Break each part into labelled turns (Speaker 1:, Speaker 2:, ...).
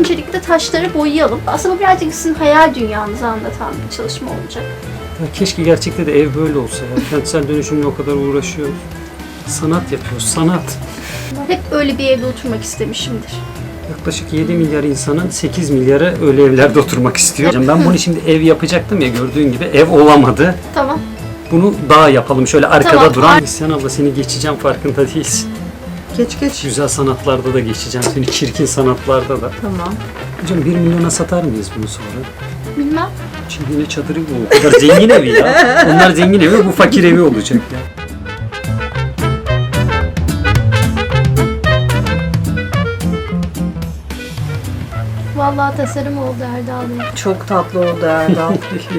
Speaker 1: öncelikle taşları boyayalım. Aslında bu birazcık sizin hayal dünyanızı anlatan bir çalışma olacak.
Speaker 2: Ya keşke gerçekte de ev böyle olsa ya. Kentsel dönüşümle o kadar uğraşıyoruz. Sanat yapıyoruz, sanat.
Speaker 1: Hep öyle bir evde oturmak istemişimdir.
Speaker 2: Yaklaşık 7 milyar insanın 8 milyarı öyle evlerde oturmak istiyor. Ben bunu şimdi ev yapacaktım ya, gördüğün gibi ev olamadı.
Speaker 1: Tamam.
Speaker 2: Bunu daha yapalım, şöyle arkada
Speaker 1: Tamam.
Speaker 2: duran. Neslihan abla, seni geçeceğim, farkında değilsin.
Speaker 3: Geç.
Speaker 2: Güzel sanatlarda da geçeceğim seni, çirkin sanatlarda da.
Speaker 3: Tamam.
Speaker 2: Hocam 1 milyona satar mıyız bunu sonra?
Speaker 1: Bilmem.
Speaker 2: Çingene çadırı bu. O kadar zengin evi ya. Onlar zengin evi, bu fakir evi olacak ya.
Speaker 1: Vallahi tasarım oldu Erdal Bey.
Speaker 3: Çok tatlı oldu Erdal.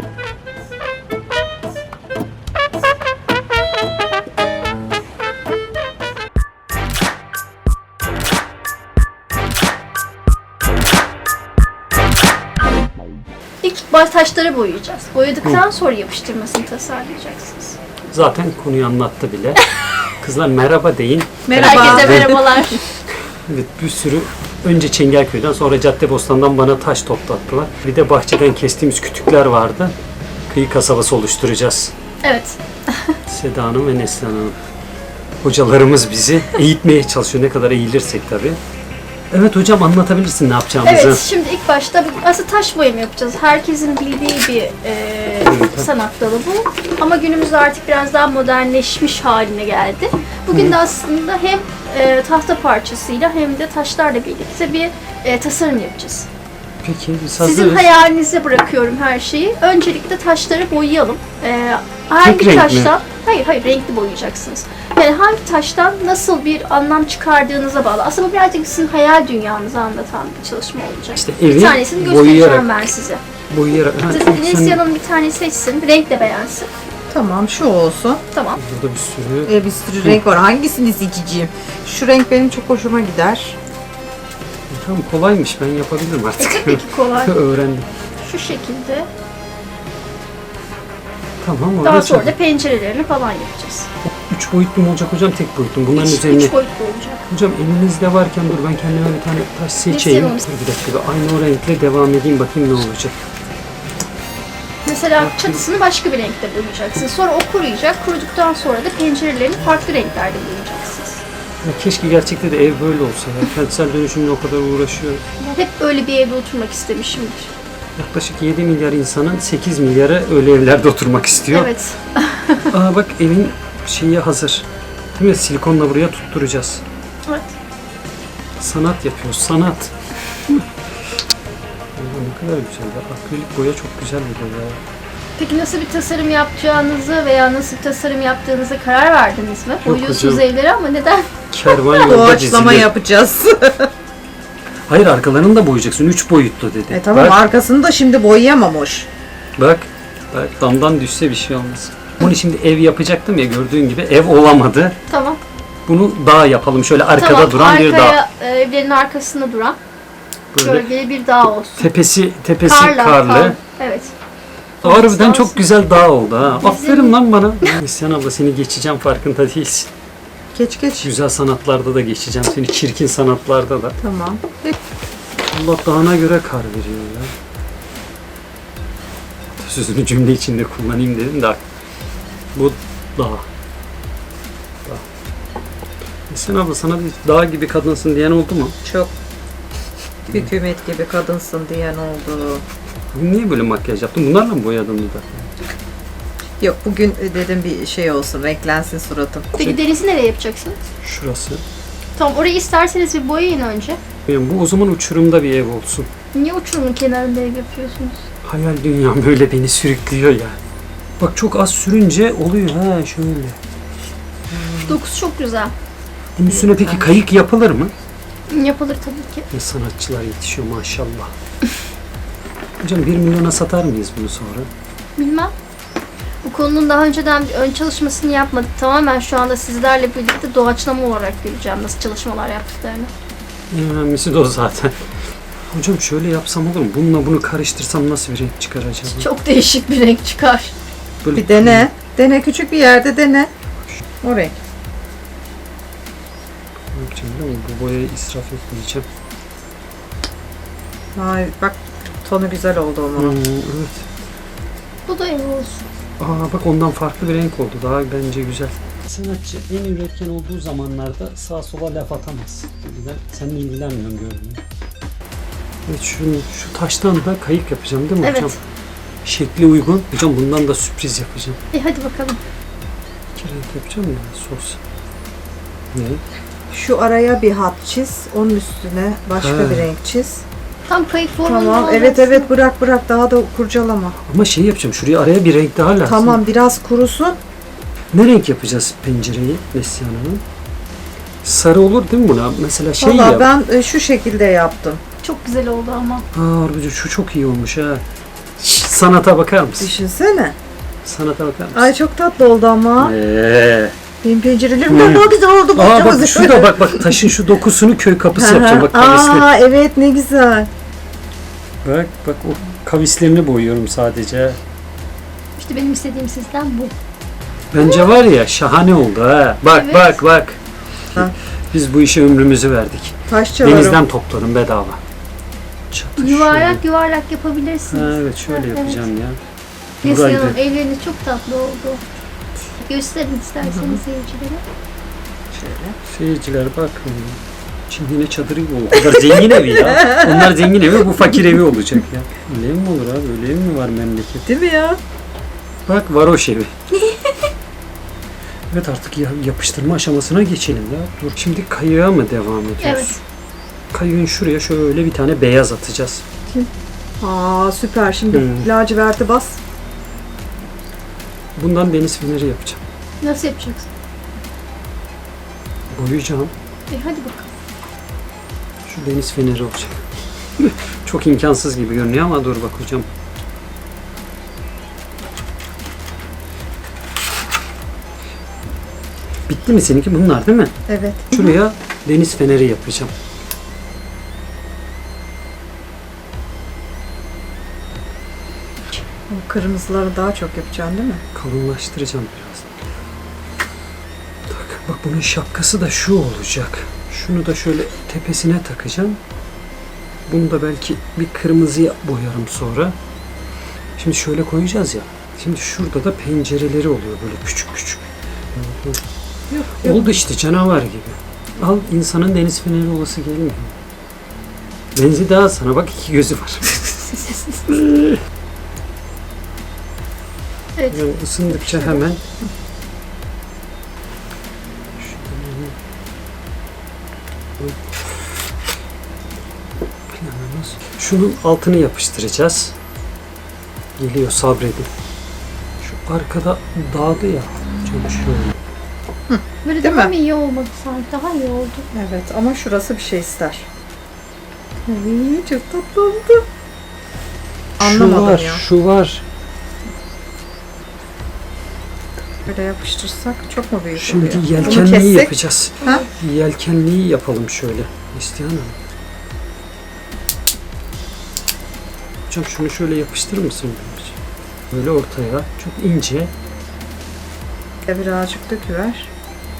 Speaker 1: İlk baş taşları boyayacağız. Boyadıktan sonra yapıştırmasını tasarlayacaksınız.
Speaker 2: Zaten konuyu anlattı bile. Kızlar merhaba deyin.
Speaker 3: Merhaba.
Speaker 1: Herkese merhabalar.
Speaker 2: Evet, bir sürü önce Çengelköy'den, sonra Caddebostan'dan bana taş toplattılar. Bir de bahçeden kestiğimiz kütükler vardı. Kıyı kasabası oluşturacağız.
Speaker 1: Evet.
Speaker 2: Seda Hanım ve Neslihan Hanım. Hocalarımız bizi eğitmeye çalışıyor. Ne kadar eğilirsek tabii. Evet hocam, anlatabilirsin ne yapacağımızı.
Speaker 1: Evet, şimdi ilk başta aslında taş boyama yapacağız. Herkesin bildiği bir sanat dalı bu. Ama günümüzde artık biraz daha modernleşmiş haline geldi. Bugün de aslında hem tahta parçasıyla hem de taşlarla birlikte bir tasarım yapacağız.
Speaker 2: Peki biz hazırız.
Speaker 1: Sizin hayalinize bırakıyorum her şeyi. Öncelikle taşları boyayalım. Hangi
Speaker 2: renk mi?
Speaker 1: taştan? Hayır, renkli boyayacaksınız. Yani hangi taştan nasıl bir anlam çıkardığınıza bağlı. Aslında bu birazcık sizin hayal dünyanızı anlatan bir çalışma olacak.
Speaker 2: İşte
Speaker 1: Bir
Speaker 2: evi
Speaker 1: tanesini göstereceğim
Speaker 2: boyayarak.
Speaker 1: ben size.
Speaker 2: Boyayarak.
Speaker 1: Neslihan'ın bir tane seçsin, renk de beğensin.
Speaker 3: Tamam, şu olsun.
Speaker 1: Tamam.
Speaker 2: Burada bir sürü.
Speaker 3: Bir sürü renk var. Hangisini seçeceğim? Şu renk benim çok hoşuma gider.
Speaker 2: Tamam, kolaymış, ben yapabilirim artık.
Speaker 1: Tabii ki kolay.
Speaker 2: Öğrendim.
Speaker 1: Şu şekilde.
Speaker 2: Tamam,
Speaker 1: Daha
Speaker 2: orada
Speaker 1: sonra da pencerelerini falan yapacağız.
Speaker 2: 3 boyutlu mu olacak hocam, tek boyutlu mu? Bunların üzerine.
Speaker 1: 3 boyutlu olacak.
Speaker 2: Hocam elinizde varken dur, ben kendime bir tane taş seçeyim.
Speaker 1: Neslihan Hanım.
Speaker 2: Dur bir dakika, bir aynı o renkle devam edeyim, bakayım ne olacak.
Speaker 1: Mesela çatısını başka bir renkte boyayacaksınız. Sonra o kuruyacak. Kuruduktan sonra da pencerelerini farklı renklerde boyayacaksınız.
Speaker 2: Ya keşke gerçekte de ev böyle olsa ya. Kentsel dönüşümle o kadar uğraşıyoruz.
Speaker 1: Hep öyle bir evde oturmak istemişimdir.
Speaker 2: Yaklaşık 7 milyar insanın 8 milyarı öyle evlerde oturmak istiyor.
Speaker 1: Evet.
Speaker 2: Aa bak, evin şeyi hazır. Değil mi? Silikonla buraya tutturacağız.
Speaker 1: Evet.
Speaker 2: Sanat yapıyoruz, sanat. Ne kadar güzel ya. Akrilik boya çok güzel bir boya.
Speaker 1: Peki nasıl bir tasarım yapacağınızı veya nasıl bir tasarım yaptığınıza karar verdiniz mi? Boyuyorsunuz
Speaker 2: hocam.
Speaker 1: evleri ama neden?
Speaker 2: Kervan yolda
Speaker 3: Doğaçlama
Speaker 2: dizilir.
Speaker 3: yapacağız.
Speaker 2: Hayır, arkalarını da boyayacaksın. 3 boyutlu dedi.
Speaker 3: Tamam,
Speaker 2: Bak,
Speaker 3: arkasını da şimdi boyayamamış.
Speaker 2: bak damdan düşse bir şey olmaz. Bunu şimdi ev yapacaktım ya, gördüğün gibi ev olamadı.
Speaker 1: Tamam.
Speaker 2: Bunu dağ yapalım. Şöyle arkada
Speaker 1: Tamam.
Speaker 2: duran bir dağ.
Speaker 1: Arkaya evlerin arkasında duran
Speaker 2: Böyle
Speaker 1: gölgeli bir dağ olsun.
Speaker 2: tepesi
Speaker 1: Karlı.
Speaker 2: karlı.
Speaker 1: Evet.
Speaker 2: Harbiden
Speaker 1: Olsun.
Speaker 2: çok güzel dağ oldu ha. Aferin lan bana. Neslihan abla, seni geçeceğim, farkında değilsin.
Speaker 3: Geç.
Speaker 2: Güzel sanatlarda da geçeceğim seni, çirkin sanatlarda da.
Speaker 3: Tamam.
Speaker 2: Allah dağına göre kar veriyor ya. Sözünü cümle içinde kullanayım dedim de bu dağ. Neslihan abla, sana bir dağ gibi kadınsın diyen oldu mu?
Speaker 3: Çok. Hükümet gibi kadınsın diyen oldu.
Speaker 2: Bugün niye böyle makyaj yaptın? Bunlarla mı boyadın dudak?
Speaker 3: Yok, bugün dedim bir şey olsun, renklensin suratım.
Speaker 1: Peki denizi nereye yapacaksınız?
Speaker 2: Şurası.
Speaker 1: Tamam, orayı isterseniz bir boyayın önce.
Speaker 2: Yani bu o zaman uçurumda bir ev olsun.
Speaker 1: Niye uçurumun kenarında ev yapıyorsunuz?
Speaker 2: Hayal dünyam böyle beni sürüklüyor ya. Bak, çok az sürünce oluyor ha şöyle.
Speaker 1: Dokusu çok güzel.
Speaker 2: Bunun üstüne peki kayık yapılır mı?
Speaker 1: Yapılır tabii ki.
Speaker 2: Ne sanatçılar yetişiyor maşallah. Hocam 1 milyona satar mıyız bunu sonra?
Speaker 1: Bilmem. Bu konunun daha önceden bir ön çalışmasını yapmadık. Tamamen şu anda sizlerle birlikte doğaçlama olarak göreceğim nasıl çalışmalar yaptıklarını.
Speaker 2: En önemlisi de o zaten. Hocam şöyle yapsam olur mu? Bununla bunu karıştırsam nasıl bir renk çıkar acaba?
Speaker 1: Çok değişik bir renk çıkar.
Speaker 2: Böyle
Speaker 3: Bir dene. Dene, küçük bir yerde dene. O renk.
Speaker 2: Ne yapacağım biliyor musun? Bu boyayı israf etmeyeceğim.
Speaker 3: Ay bak tonu güzel oldu ama.
Speaker 2: Evet.
Speaker 1: Bu da ev olsun.
Speaker 2: Aa bak ondan farklı bir renk oldu. Daha bence güzel. Sanatçı en üretken olduğu zamanlarda sağa sola laf atamaz. Ben seninle ilgilenmiyorum gördüğüm. Evet şu taştan da kayık yapacağım değil mi
Speaker 1: Evet.
Speaker 2: hocam? Şekli uygun. Hocam bundan da sürpriz yapacağım.
Speaker 1: Hadi bakalım.
Speaker 2: İki renk yapacağım ya sos. Ne?
Speaker 3: Şu araya bir hat çiz. Onun üstüne başka
Speaker 2: Ha.
Speaker 3: bir renk çiz.
Speaker 1: Tam kayık formunda
Speaker 3: Tamam.
Speaker 1: olacaksın.
Speaker 3: Evet bırak daha da kurcalama.
Speaker 2: Ama şey yapacağım. Şuraya araya bir renk daha lazım.
Speaker 3: Tamam biraz kurusun.
Speaker 2: Ne renk yapacağız pencereyi Neslihan Hanım? Sarı olur değil mi buna? Mesela şey
Speaker 3: Valla
Speaker 2: yap.
Speaker 3: ben şu şekilde yaptım.
Speaker 1: Çok güzel oldu ama.
Speaker 2: Harbici şu çok iyi olmuş ha. Şşt, sanata bakar mısın?
Speaker 3: Düşünsene.
Speaker 2: Sanata bakar mısın?
Speaker 3: Ay çok tatlı oldu ama. Benim pencerelerim
Speaker 2: Hmm.
Speaker 3: daha güzel oldu.
Speaker 2: Aa
Speaker 3: bakacağız.
Speaker 2: bak şu da bak taşın şu dokusunu köy kapısı yapacağım bak kavisli.
Speaker 3: Aa evet ne güzel.
Speaker 2: Bak o kavislerini boyuyorum sadece.
Speaker 1: İşte benim istediğim sizden bu.
Speaker 2: Bence var ya şahane oldu ha. Bak
Speaker 1: Evet.
Speaker 2: bak.
Speaker 3: Ha.
Speaker 2: Biz bu işe ömrümüzü verdik.
Speaker 3: Taş çalarım.
Speaker 2: Denizden topladım bedava. Çatı
Speaker 1: Yuvarlak yapabilirsiniz.
Speaker 2: şöyle. Ha, evet şöyle
Speaker 1: Evet.
Speaker 2: yapacağım ya.
Speaker 1: Neslihan
Speaker 2: Buraydı.
Speaker 1: Hanım elleriniz çok tatlı oldu. Gösterin isterseniz seyircilere.
Speaker 2: Seyirciler bak. Çingene çadırı gibi oldu. O kadar zengin evi ya. Onlar zengin evi, bu fakir evi olacak ya. Öyle mi olur abi? Öyle ev mi var memleket?
Speaker 3: Değil mi ya?
Speaker 2: Bak varoş evi. Evet artık yapıştırma aşamasına geçelim ya. Dur şimdi kayığa mı devam ediyoruz?
Speaker 1: Evet.
Speaker 2: Kayığın şuraya şöyle bir tane beyaz atacağız.
Speaker 3: Aa süper. Şimdi
Speaker 2: Hmm.
Speaker 3: laciverti bas.
Speaker 2: Bundan deniz feneri yapacağım.
Speaker 1: Nasıl yapacaksın?
Speaker 2: Boyayacağım.
Speaker 1: Hadi bakalım.
Speaker 2: Şu deniz feneri olacak. Çok imkansız gibi görünüyor ama dur bakacağım. Bitti mi seninki? Bunlar değil mi?
Speaker 3: Evet.
Speaker 2: Şuraya deniz feneri yapacağım.
Speaker 3: O kırmızıları daha çok yapacaksın değil mi?
Speaker 2: Kalınlaştıracağım biraz. Bak bunun şapkası da şu olacak. Şunu da şöyle tepesine takacağım. Bunu da belki bir kırmızıya boyarım sonra. Şimdi şöyle koyacağız ya. Şimdi şurada da pencereleri oluyor böyle küçük küçük.
Speaker 3: Yok.
Speaker 2: Oldu işte canavar gibi. Al insanın deniz feneri olası gelmiyor. Benzi daha sana bak iki gözü var.
Speaker 1: Evet.
Speaker 2: Yani ısındıkça hemen şunun altını yapıştıracağız. Geliyor sabredin. Şu arkada dağdı ya. Şöyle şöyle.
Speaker 1: Böyle
Speaker 3: Değil
Speaker 1: daha
Speaker 3: mi?
Speaker 1: mı iyi olmadı sanki? Daha iyi oldu.
Speaker 3: Evet ama şurası bir şey ister. Ay, çok tatlı oldu. Anlamadım
Speaker 2: şu var,
Speaker 3: ya.
Speaker 2: şu var.
Speaker 3: Böyle yapıştırsak çok mu büyük
Speaker 2: Şimdi
Speaker 3: oluyor? Bunu
Speaker 2: yelkenliği
Speaker 3: kessek-
Speaker 2: yapacağız.
Speaker 3: Ha?
Speaker 2: Yelkenliği yapalım şöyle. İsteyen Hanım. Hocam şunu şöyle yapıştırır mısın? Böyle ortaya. Çok ince.
Speaker 3: Birazcık döküver.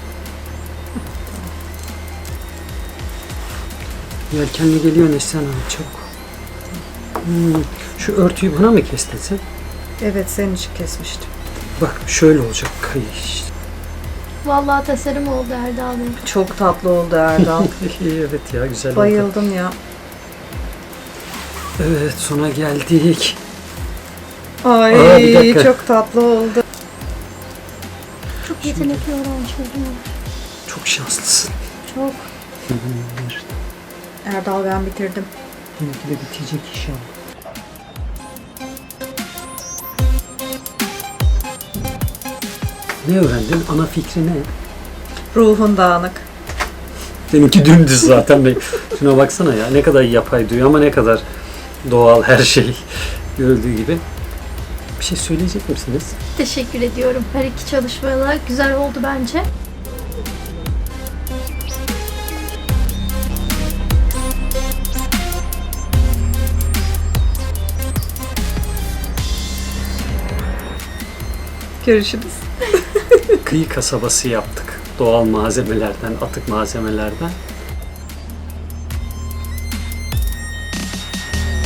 Speaker 2: Yelkenli geliyor Neslihan Hanım çabuk. Şu örtüyü bana mı kestin sen?
Speaker 3: Evet senin için kesmiştim.
Speaker 2: Bak şöyle olacak kayış.
Speaker 1: Vallahi tasarım oldu Erdal Bey.
Speaker 3: Çok tatlı oldu Erdal.
Speaker 2: Evet ya güzel oldu.
Speaker 3: Bayıldım ya.
Speaker 2: Evet sona geldik.
Speaker 3: Ay
Speaker 2: Aa, bir dakika.
Speaker 3: çok tatlı oldu.
Speaker 1: Çok yetenekli öğrencilerim var.
Speaker 2: Çok şanslısın.
Speaker 1: Çok.
Speaker 3: Erdal ben bitirdim.
Speaker 2: Benimki de bitecek inşallah. Ne öğrendin? Ana fikri ne?
Speaker 3: Ruhun dağınık.
Speaker 2: Benimki dümdüz zaten. Şuna baksana ya ne kadar yapay duruyor ama ne kadar doğal her şey görüldüğü gibi. Bir şey söyleyecek misiniz?
Speaker 1: Teşekkür ediyorum. Her iki çalışmalar güzel oldu bence.
Speaker 3: Görüşürüz.
Speaker 2: Kıyı kasabası yaptık. Doğal malzemelerden, atık malzemelerden.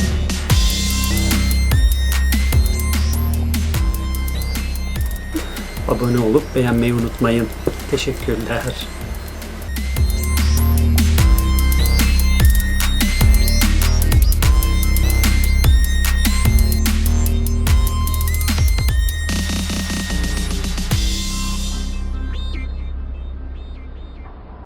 Speaker 2: abone olup beğenmeyi unutmayın. Teşekkürler.